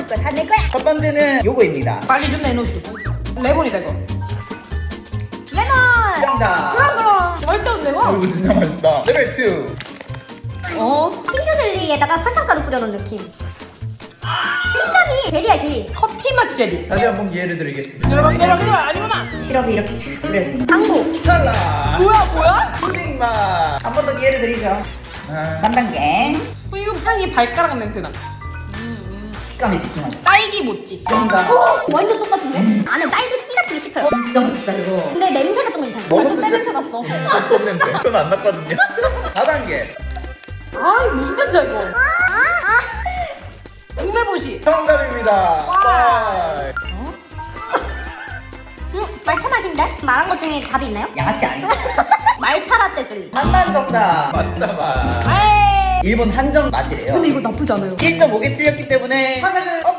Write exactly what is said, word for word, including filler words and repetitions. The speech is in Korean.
거야. 다 내 거야. 첫 번째는 요거입니다. 빨리 좀 내놓으시오. 레몬이다 이거. 레몬. 정답. 그럼 그럼. 절대 안 내와. 이거 진짜 맛있다. 레벨 투. 어? 신규 젤리에다가 설탕가루 뿌려놓은 느낌. 식감이 젤리야 젤리. 커피 맛 젤리. 다시 한번 기회를 드리겠습니다. 내려봐 내려봐 내려봐 아니구나. 시럽이 이렇게 쫙 뿌려져. 당구. 탈락. 뭐야 뭐야? 푸딩 맛. 한 번 더 기회를 드리죠. 아, 삼 단계. 어, 이거 빵이 발가락 냄새나. 식감에 집중하자. 딸기 모찌. 정답. 완전 똑같은데? 안에 딸기 씨 같은 게 씹혀요. 진짜 맛있다 이거. 근데 냄새가 조금 이상해. 먹었을 때 냄새 났어. 어떤 냄새? 그건 안 났거든요. 사 단계. 아 무슨 냄새야 이거. 우메보시. 정답입니다. 와. 음, 말차 맛인데? 말한 것 중에 답이 있나요? 양아치 아닌가? 말차 라떼 젤리. 한만 정답. 맞자 맛. 에이. 일본 한정 맛이래요. 근데 이거 나쁘지 않아요. 일 점 오 개 틀렸기 때문에 화장은 업.